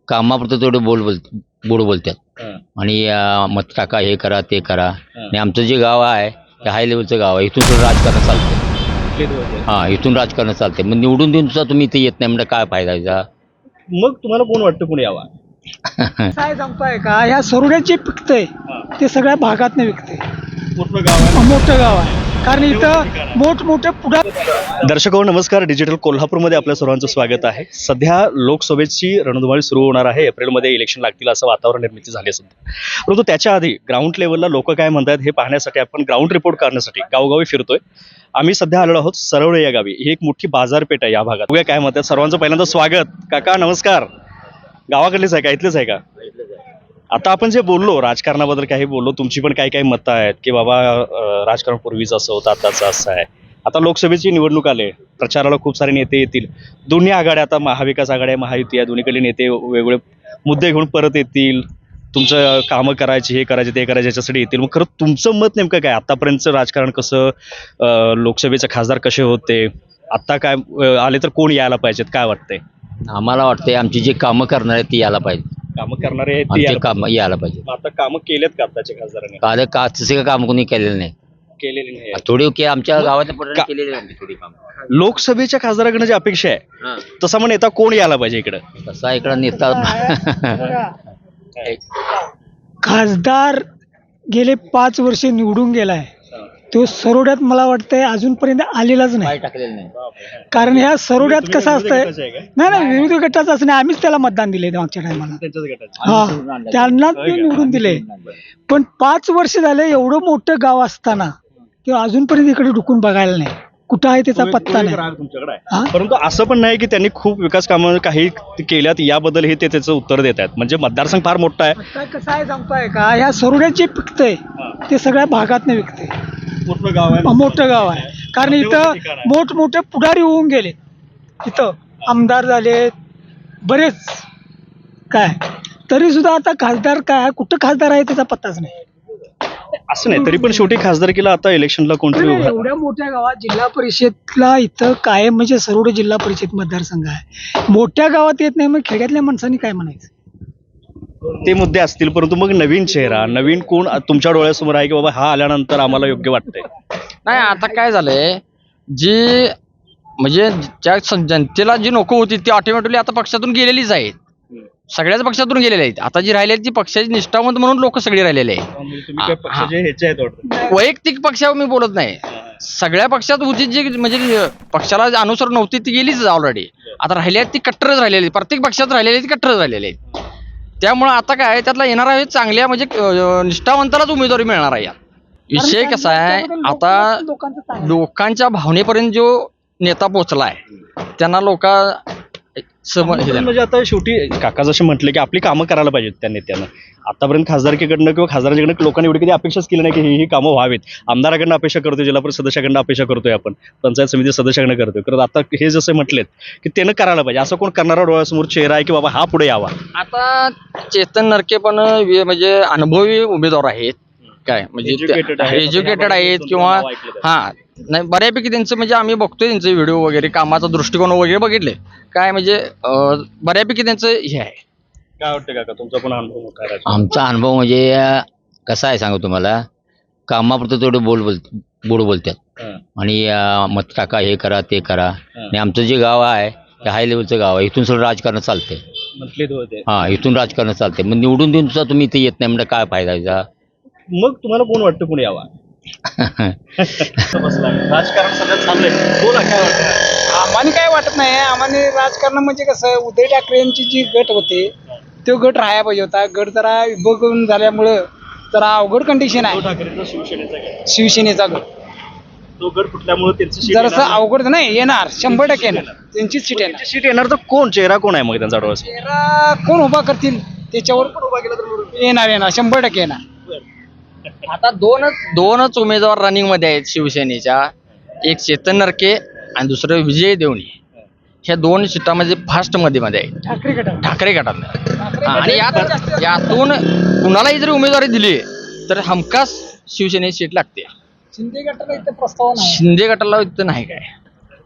कामापुरतं तेवढं गोड बोलतात आणि मत टाका, हे करा, ते करा. आणि आमचं जे गाव आहे ते हाय लेवलचं गाव आहे. इथून थोडं राजकारण चालतं. हां, इथून राजकारण चालते. मग निवडून देऊन सुद्धा तुम्ही इथे येत नाही म्हणजे काय फायदा याचा? मग तुम्हाला कोण वाटतं कोण यावा? काय सांगताय का, ह्या सरोड्यात जे पिकतंय ते सगळ्या भागात विकते. मोठं गाव आहे. मोठं गाव आहे, कारण इथं मोठमोठे पुढा. दर्शको नमस्कार, डिजिटल कोल्हापूरमध्ये आपल्या सर्वांचं स्वागत आहे. सध्या लोकसभेची रणधुमाळी सुरू होणार आहे. एप्रिलमध्ये इलेक्शन लागतील असं वातावरण निर्मिती झाले सध्या. परंतु त्याच्या आधी ग्राउंड लेवलला लोक काय म्हणतात हे पाहण्यासाठी आपण ग्राउंड रिपोर्ट करण्यासाठी गावोगावी फिरतोय. आम्ही सध्या आलेलो आहोत सरवळे या गावी. ही एक मोठी बाजारपेठ आहे या भागात. बघूया काय म्हणतात. सर्वांचं पहिल्यांदा स्वागत. काका नमस्कार. गावाकडलेच आहे का, इथलेच आहे का? आता आपण जे बोललो राजकारणाबद्दल काही बोललो, तुमची पण काही काही मतं आहेत की बाबा राजकारण पूर्वीचं असं होतं, आताचं असं आहे. आता लोकसभेची निवडणूक आले, प्रचाराला खूप सारे नेते येतील. दोन्ही आघाड्या, आता महाविकास आघाडी आहे, महायुती आहे, दोन्हीकडे नेते वेगवेगळे मुद्दे घेऊन परत येतील. तुमचं कामं करायची, हे करायचे, ते करायचे याच्यासाठी येतील. मग खरं तुमचं मत नेमकं काय? आतापर्यंतचं राजकारण कसं, लोकसभेचे खासदार कसे होते, आत्ता काय आले तर कोण यायला पाहिजेत, काय वाटतंय? आम्हाला वाटतंय आमची जी कामं करणार आहेत ती यायला पाहिजे. कामं करणारे आहेत ते आमचे यायला काम यायला पाहिजे. पाहिजे. आता कामं केलेत का आताच्या खासदारांनी? का तसे काम कोणी केलेलं नाही. केलेली नाही. थोडी की आमच्या गावातल्या पोरांनी केलेली आहे थोडी काम. लोकसभेच्या खासदाराकडनं जी अपेक्षा आहे तसा मग नेता कोण यायला पाहिजे इकडं? तसा इकडं नेता खासदार गेले 5 वर्ष निवडून गेलाय, तो सरोड्यात मला वाटतंय अजूनपर्यंत आलेलाच नाही. टाकलेलं नाही. कारण ह्या सरोड्यात कसं असतंय, गटाचं आहे काय? नाही विरोधी गटाचं असं नाही, आम्हीच त्याला मतदान दिले मागच्या टायमाला. त्यांच्याच गटाचं. हा, त्यांना ते निवडून दिले. पण 5 वर्ष झाले एवढं मोठं गाव असताना ते अजूनपर्यंत इकडे डुकून बघायला नाही. कुठं आहे त्याचा पत्ता नाही. राग तुमच्याकडे आहे. हा? परंतु असं पण नाही की त्यांनी खूप विकास कामं काही केल्यात याबद्दल हे ते त्याचं उत्तर देत आहेत. म्हणजे मतदारसंघ फार मोठा आहे. आता कसं आहे सांगताय का, ह्या सरोड्यात जे पिकतंय ते सगळ्या भागात विकते. मोठं गाव आहे. मोठं गाव आहे, कारण इथं मोठमोठे पुढारी होऊन गेले. इथं आमदार झाले बरेच, काय तरी सुद्धा आता खासदार काय, कुठं खासदार आहे त्याचा पत्ताच नाही. असं नाही, तरी पण शेवटी खासदारकीला आता इलेक्शनला कोणतरी उभा. एवढ्या मोठ्या गावात जिल्हा परिषदला इथं कायम म्हणजे सरोड जिल्हा परिषद मतदारसंघ आहे. मोठ्या गावात येत नाही, मग खेड्यातल्या माणसांनी काय म्हणायचं? ते मुद्दे असतील, परंतु मग नवीन चेहरा, नवीन कोण तुमच्या डोळ्यासमोर आहे की बाबा हा आल्यानंतर आम्हाला योग्य वाटतंय? नाही, आता काय झालंय, जी म्हणजे ज्या जनतेला जी नको होती ती ऑटोमॅटिकली आता पक्षातून गेलेलीच आहेत. सगळ्याच पक्षातून गेलेले आहेत. आता जी राहिलेली ती पक्षाची निष्ठावंत म्हणून लोक सगळे राहिलेले आहेत. तुम्ही काय पक्षाचे ह्याचे आहेत वाटतं? वैयक्तिक पक्षावर मी बोलत नाही. सगळ्या पक्षात होती जी म्हणजे पक्षाला अनुसर नव्हती ती गेलीच ऑलरेडी. आता राहिली आहेत ती कट्टरच राहिलेली, प्रत्येक पक्षात राहिलेली ती कट्टरच राहिलेली आहेत. त्यामुळे आता काय त्यातला येणार आहे चांगल्या म्हणजे निष्ठावंतालाच उमेदवारी मिळणार आहे. विषय कसा आहे, आता लोकांच्या भावनेपर्यंत जो नेता पोहोचलाय त्यांना लोक म्हणजे आता शेवटी काका जसे म्हटले की आपली कामं करायला पाहिजेत त्या नेत्यानं. आतापर्यंत खासदारकीकडनं किंवा खासदारांकडनं लोकांनी एवढी कधी अपेक्षाच केली नाही की ही कामं व्हावीत. आमदाराकडनं अपेक्षा करतोय, जिल्हा परिषद सदस्याकडनं अपेक्षा करतोय, आपण पंचायत समिती सदस्याकडनं करतोय. तर आता हे जसे म्हटलेत की त्यानं करायला पाहिजे, असं कोण करणारा डोळ्यासमोर चेहरा आहे की बाबा हा पुढे यावा? आता चेतन नरके पण म्हणजे अनुभवी उमेदवार आहेत, काय म्हणजे एज्युकेटेड आहेत किंवा हा नाही बऱ्यापैकी त्यांचं म्हणजे आम्ही बघतोय त्यांचे व्हिडिओ वगैरे, कामाचा दृष्टिकोन वगैरे बघितले काय म्हणजे बऱ्यापैकी त्यांचं हे आहे. काय वाटतं काका, तुमचा पण अनुभव मोठा आहे? आमचा अनुभव म्हणजे कसा आहे सांगू तुम्हाला, कामापुरतं तेवढं गोड बोलतात आणि मत टाका, हे करा, ते करा. आणि आमचं जे गाव आहे ते हाय लेवलचं गाव आहे. इथून सगळं राजकारण चालते. हां, इथून राजकारण चालते. मग निवडून देऊन सुद्धा तुम्ही इथे येत नाही म्हणजे काय फायदा याचा? मग तुम्हाला कोण वाटतं कोण यावा? राजकारण सगळं चाललंय, बोला काय वाटतं? आम्हाला काय वाटत नाही. आम्हाला राजकारण म्हणजे कसं, उद्धव ठाकरे यांची जी गट होते तो गट राहायला पाहिजे होता. गट जरा विभगून झाल्यामुळं जरा अवघड कंडिशन आहे. ठाकरेंचा शिवसेनेचा गट, शिवसेनेचा गट तो गट फुटल्यामुळे त्यांचं जरासं अवघड नाही, येणार 100% येणार, त्यांचीच सीट येणार. सीट येणार. तर कोण चेहरा कोण आहे मग त्यांचा डोळ्यासमोर? तेरा कोण उभा करतील त्याच्यावर येणार 100% येणार. आता दोनच उमेदवार रनिंग मध्ये आहेत शिवसेनेच्या, एक चेतन नरके आणि दुसरं विजय देवणी. ह्या 2 सीटामध्ये फास्ट मध्ये आहे ठाकरे गटातल्या. आणि यातून कुणालाही जरी उमेदवारी दिली तर हमखास शिवसेनेची सीट लागते. शिंदे गटाला इथं प्रस्ताव नाही. शिंदे गटाला इथं नाही काय.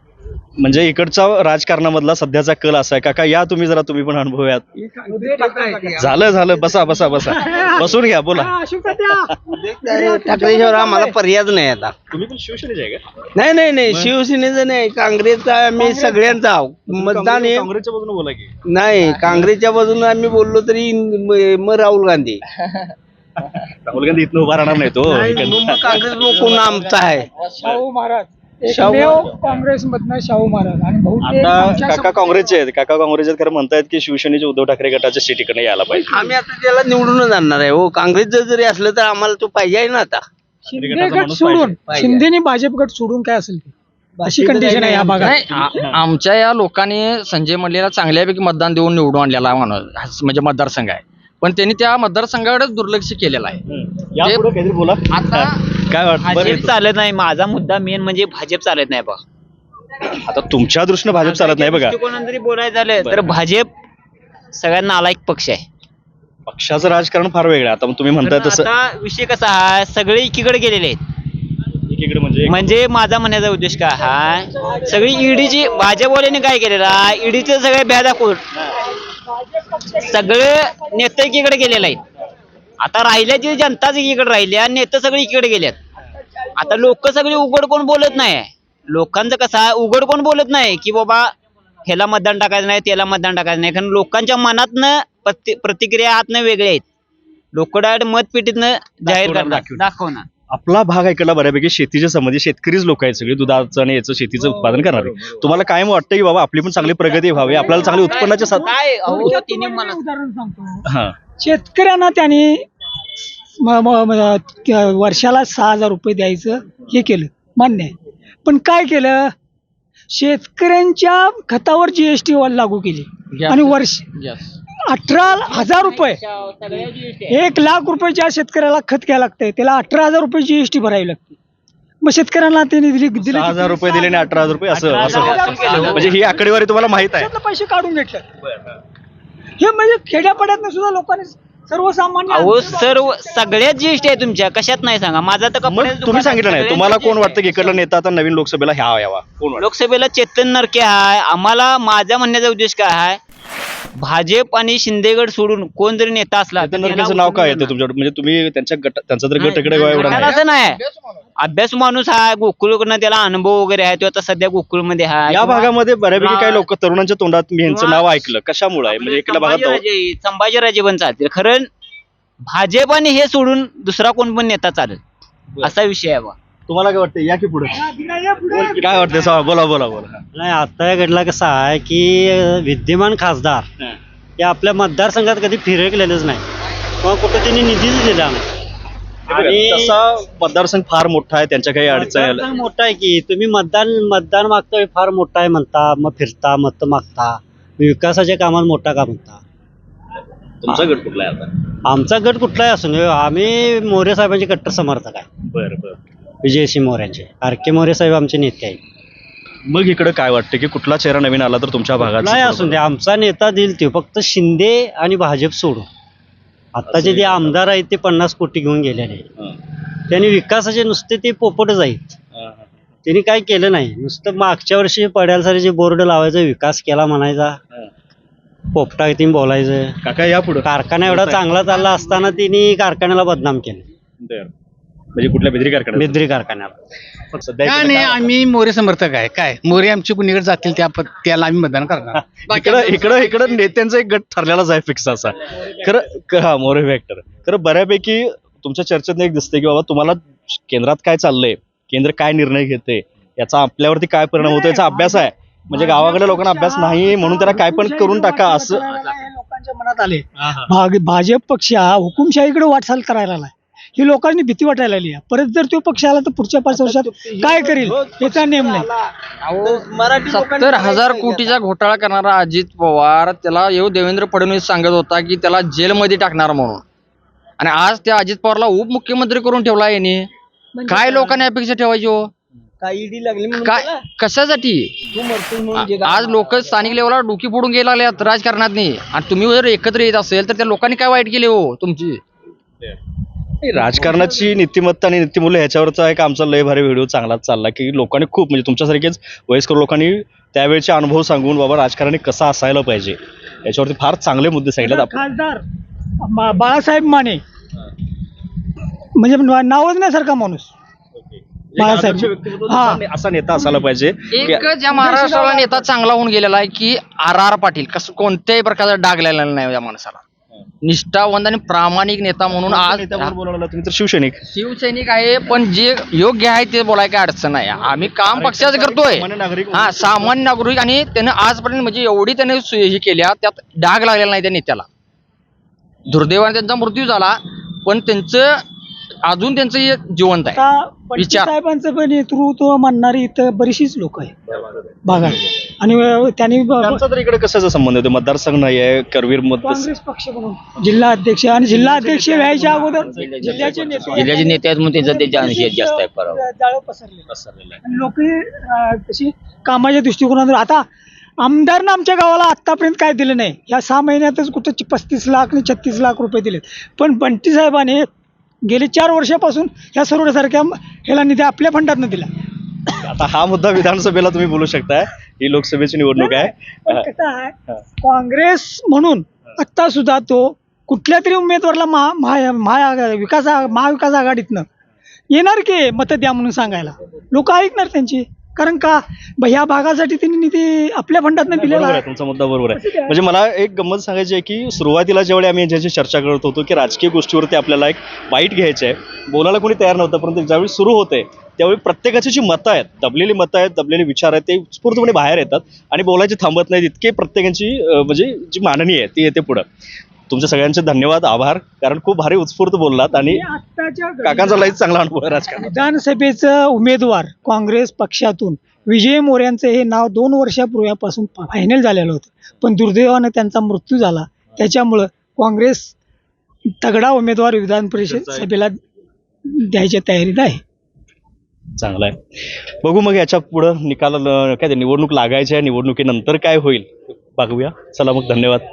म्हणजे इकडचा राजकारणामधला सध्याचा कल असा आहे. काका या तुम्ही जरा, तुम्ही पण अनुभवात. झालं बसा बसून घ्या, बोला. ठाकरेशिवाय आम्हाला पर्यायच नाही आता. तुम्ही पण शिवसेनेचे आहे का? नाही शिवसेनेचं नाही, काँग्रेसचा आम्ही सगळ्यांचा आहोत. मतदान हे काँग्रेसच्या बाजूने बोला की. नाही, काँग्रेसच्या बाजूने आम्ही बोललो तरी मग राहुल गांधी. राहुल गांधी इथनं उभा राहणार नाही तो. मग काँग्रेस कोण आमचा आहे? शाहू महाराज एकमेव काँग्रेसमधनं शाहू महाराज आणि बहुतेक आता आमच्या काका काँग्रेसचे आहेत. काका काँग्रेसचे खरं म्हणतायत की शिवसेनेचे उद्धव ठाकरे गटाच्या सीटीकडे यायला पाहिजे. आम्ही आता त्याला निवडूनच आणणार आहे. हो, काँग्रेस जरी असलं तर आम्हाला तो पाहिजे आहे ना आता. शिंदे गटाचा गट माणूस सोडून पाहिजे. शिंदेनी भाजप गट सोडून काय असेल ते अशी कंडिशन आहे या भागात. नाही आमच्या या लोकांनी संजय मंडलेला चांगल्यापैकी मतदान देऊन निवडून आणलेला माणूस म्हणजे मतदारसंघ आहे, पण त्यांनी त्या मतदारसंघाकडेच दुर्लक्ष केलेलं आहे. या पुढे काहीतरी बोला. आता काय वाटतं बरं, भाजप चालत नाही. माझा मुद्दा मेन म्हणजे भाजप चालत नाही बघ. आता तुमच्या दृष्टीने भाजप चालत नाही बघा. कोणाला जरी बोलायचं झालं तर भाजप सगळ्यात नालायक पक्ष आहे. पक्षाचं राजकारण फार वेगळं आहे. आता तुम्ही म्हणताय तसं आता विषय कसा आहे, सगळे एकीकडे गेलेले आहेत. एकीकडे म्हणजे म्हणजे माझा म्हणण्याचा उद्देश काय आहे, सगळी ईडीची भाजपवाल्याने काय केलेलं आहे, ईडीचे सगळे भ्या दाखवून सगळे नेते एकीकडे गेलेले आहेत. आता राहिल्याची जनताच एकीकडे राहिली आणि नेते सगळे एकीकडे गेल्यात. आता लोक सगळे उघड कोण बोलत नाही. लोकांचं कसं आहे, उघड कोण बोलत नाही की बाबा ह्याला मतदान टाकायचं नाही, त्याला मतदान टाकायचं नाही. कारण लोकांच्या मनातनं प्रतिक्रिया आतनं वेगळ्या आहेत. लोक डायरेक्ट मतपेटीतनं जाहीर करणार, दाखवणार. आपला भाग ऐकला बऱ्यापैकी शेतीच्या संबंधी शेतकरीच लोक आहेत सगळे, दुधाचं आणि याचं शेतीचं उत्पादन करणारे. तुम्हाला काय वाटतं की बाबा आपली पण चांगली प्रगती व्हावी, आपल्याला चांगली उत्पन्नाच्या साथ. काय अहो, थोडक्यात तिने तुम्हाला मला उदाहरण सांगतो. हा शेतकऱ्यांना त्यांनी वर्षाला 6,000 रुपये द्यायचं हे केलं, मान्य आहे. पण काय केलं, शेतकऱ्यांच्या खतावर जीएसटी लागू केली आणि वर्ष 18,000 रुपये, 1,00,000 रुपयाच्या शेतकऱ्याला खत घ्यायला लागतंय, त्याला 18,000 रुपये जीएसटी भरावी लागते. मग शेतकऱ्यांना त्यांनी दिले 6,000 रुपये दिले आणि 18,000 रुपये असं 18,000 केलं. म्हणजे ही आकडेवारी तुम्हाला माहित आहे. त्यातलं पैसे काढून घेतले. हे म्हणजे खेड्यापाड्यात सुद्धा लोकांनी सर्वसामान्य अहो सर्व सगळ्यात जीएसटी आहे तुमच्या, कशात नाही सांगा. माझा तर मग तुम्ही सांगितलं नाही, तुम्हाला कोण वाटतं की इकडला नेता आता नवीन लोकसभेला ह्या यावा, कोण वाटतं? लोकसभेला चेतन नरके आहे. आम्हाला माझा म्हणण्याचा उद्देश काय आहे, भाजप आणि शिंदेगड सोडून कोण जरी नेता असला चेतन नरकेंचं नाव काय येतं तुमच्याकडे? म्हणजे तुम्ही त्यांचा तर गट इकडे एवढा नाही. असं नाही. अभ्यास माणूस आहे, गोकुळकडनं त्याला अनुभव वगैरे आहे, तो आता सध्या गोकुळमध्ये आहे. या भागामध्ये बऱ्यापैकी काही लोक तरुणांच्या तोंडात मी यांचं नाव ऐकलं, कशामुळे आहे म्हणजे इकडल्या भागात संभाजीराजे पण चालतील. खरं भाजप आणि हे सोडून दुसरा कोण पण नेता चालेल असा विषय आहे बा. तुम्हाला काय वाटतं? या की पुढे काय वाटतं? बोला. नाही, आता या घडला कसा आहे की विद्यमान खासदार हे आपल्या मतदारसंघात कधी फिरकलेलंच नाही किंवा कुठं त्यांनी निधीच दिला नाही. आणि तसा मतदारसंघ फार मोठा आहे, त्यांच्या काही अडचणी मतदारसंघ मोठा आहे की तुम्ही मतदान मागता फार मोठा आहे म्हणता, मग फिरता मत मागता, विकासाच्या कामात मोठा का म्हणता. तुमचा गट कुठला आहे आता? आमचा गट कुठलाही असून आम्ही मोरे साहेबांचे कट्टर समर्थक आहे. बरं. विजयसिंह मोऱ्यांचे, आर.के. मोरे साहेब आमचे नेते आहेत. मग इकडे काय वाटतं की कुठला चेहरा नवीन आला तर तुमच्या भागात? नाही असून दे, आमचा नेता देईल ते, फक्त शिंदे आणि भाजप सोडून. आत्ताचे जे आमदार आहेत ते 50 कोटी घेऊन गेलेले आहेत. त्यांनी विकासाचे नुसते ते पोपटच आहेत. त्यांनी काय केलं नाही, नुसतं मागच्या वर्षी पड्यालसारे जे बोर्ड लावायचं, विकास केला म्हणायचा, पोपटा तीन बोलायचं. काका या पुढे. कारखाना एवढा चांगला चालला असताना त्यांनी कारखान्याला बदनाम केलं, म्हणजे कुठल्या बेदरी कारखान्यात? बेदरी कारखान्याला. सध्या काय इकडे नाही, आम्ही मोरे समर्थक आहे. काय मोरे आमची कुणीकडे जातील त्याला आम्ही मतदान करणार. इकडं नेत्यांचा एक गट ठरलेलाच आहे फिक्स असा. खरं मोरे फॅक्टर खरं बऱ्यापैकी तुमच्या चर्चेत एक दिसते की बाबा तुम्हाला केंद्रात काय चाललंय, केंद्र काय निर्णय घेते, याचा आपल्यावरती काय परिणाम होतो याचा अभ्यास आहे. म्हणजे गावाकडे लोकांना अभ्यास नाही म्हणून त्याला काय पण करून टाका असं लोकांच्या मनात आले. भाजप पक्ष हा हुकुमशाहीकडे वाटचाल करायला लागलाय. ही लोकांनी भीती वाटायला लागली. परत जर तो पक्ष आला तर पुढच्या 5 वर्षात काय करेल याचा नेम नाही. 70,000 कोटीचा घोटाळा करणारा अजित पवार, त्याला देवेंद्र फडणवीस सांगत होता की त्याला जेलमध्ये टाकणार म्हणून, आणि आज त्या अजित पवारला उपमुख्यमंत्री करून ठेवला याने. काय लोकांनी अपेक्षा ठेवायची हो? काय कशासाठी? आज लोक स्थानिक लेवलला डोकी फोडून गेला लागल्यात राजकारणात. आणि तुम्ही जर एकत्र येत असेल तर त्या लोकांनी काय वाईट केले हो तुमची? राजकारणाची नीतिमत्ता आणि नीतिमूल्य ह्याच्यावरचा एक आमचा लय भारी व्हिडिओ चांगलाच चालला की लोकांनी खूप म्हणजे तुमच्यासारखेच वयस्कर लोकांनी त्यावेळेचे अनुभव सांगून बाबा राजकारणी कसं असायला पाहिजे याच्यावरती फार चांगले मुद्दे सांगितले. खासदार बाळासाहेब माने म्हणजे नावच नाही सारखा माणूस बाळासाहेब असा नेता असायला पाहिजे एक ज्या महाराष्ट्राला नेता चांगला होऊन गेलेला आहे की आर पाटील कसं कोणत्याही प्रकारचा डाग लागलेला नाही या माणसाला. निष्ठावंत आणि प्रामाणिक नेता म्हणून आज बोलावला तुम्ही तर शिवसैनिक शिवसैनिक आहे, पण जे योग्य आहे ते बोलायला काय अडचण नाही. आम्ही काम पक्षाचं करतोय, सामान्य नागरिक हा सामान्य नागरिक, आणि त्यानं आजपर्यंत म्हणजे एवढी त्याने हे केल्या त्यात डाग लागलेला नाही त्या नेत्याला. दुर्दैवाने त्यांचा मृत्यू झाला, पण त्यांचं अजून त्यांचं हे जिवंत आहे. विचार साहेबांचं पण नेतृत्व मानणारी इथं बरीचशीच लोक आहे भागात, आणि त्यांनी त्यांचा तर इकडे कशाचा संबंध आहे? मतदारसंघ नाही आहे करवीर मध्ये काँग्रेस पक्ष म्हणून जिल्हा अध्यक्ष, आणि जिल्हा अध्यक्ष व्हायच्या अगोदर जिल्ह्याचे नेते आहेत म्हणून त्यांचा त्याच्या निषेध जास्त आहे पराभव. जाळं पसरले लोक तशी कामाच्या दृष्टिकोनातून. आता आमदारनं आमच्या गावाला आतापर्यंत काय दिलं नाही, या 6 महिन्यातच कुठं 35 लाख आणि 36 लाख रुपये दिलेत. पण बंटी साहेबांनी गेले 4 वर्षापासून ह्या सरोवरासारख्या ह्याला निधी आपल्या फंडातनं दिला. आता हा मुद्दा विधानसभेला तुम्ही बोलू शकताय, ही लोकसभेची निवडणूक आहे. पण कसं आहे, काँग्रेस म्हणून आता सुद्धा तो कुठल्या तरी उमेदवाराला महाविकास आघाडीतनं येणार की मतं द्या म्हणून सांगायला, लोक ऐकणार त्यांची. कारण का ह्या भागासाठी त्यांनी निधी आपल्या फंडातनं दिलेला बरोबर आहे. आहे, तुमचा मुद्दा बरोबर आहे. म्हणजे मला एक गंमत सांगायची आहे की सुरुवातीला ज्यावेळी आम्ही यांच्याशी चर्चा करत होतो की राजकीय गोष्टीवरती आपल्याला एक बाईट घ्यायची आहे, बोलायला कोणी तयार नव्हतं, परंतु ज्यावेळी सुरू होते त्यावेळी प्रत्येकाची जी मतं आहेत, दबलेली मतं आहेत, दबलेले विचार आहेत, ते उत्स्फूर्तपणे बाहेर येतात आणि बोलायचे थांबत नाहीत. इतके प्रत्येकाची म्हणजे जी मांडणी आहे ती येते पुढं. तुमच्या सगळ्यांचे धन्यवाद, आभार, कारण खूप भारी उत्स्फूर्त बोललात आणि काकांचा लईच चांगला अनुभव आहे राजकारणात. विधानसभेचं उमेदवार काँग्रेस पक्षातून विजय मोऱ्यांचं हे नाव 2 वर्षापूर्वीपासून फायनल झालेलं होतं, पण दुर्दैवानं त्यांचा मृत्यू झाला. त्याच्यामुळं काँग्रेस तगडा उमेदवार विधान परिषद सभेला द्यायच्या तयारीत आहे. चांगलं आहे. बघू मग याच्या पुढं निकाल काय ते निवडणूक लागायच्या, निवडणुकीनंतर काय होईल बघूया. चला मग, धन्यवाद.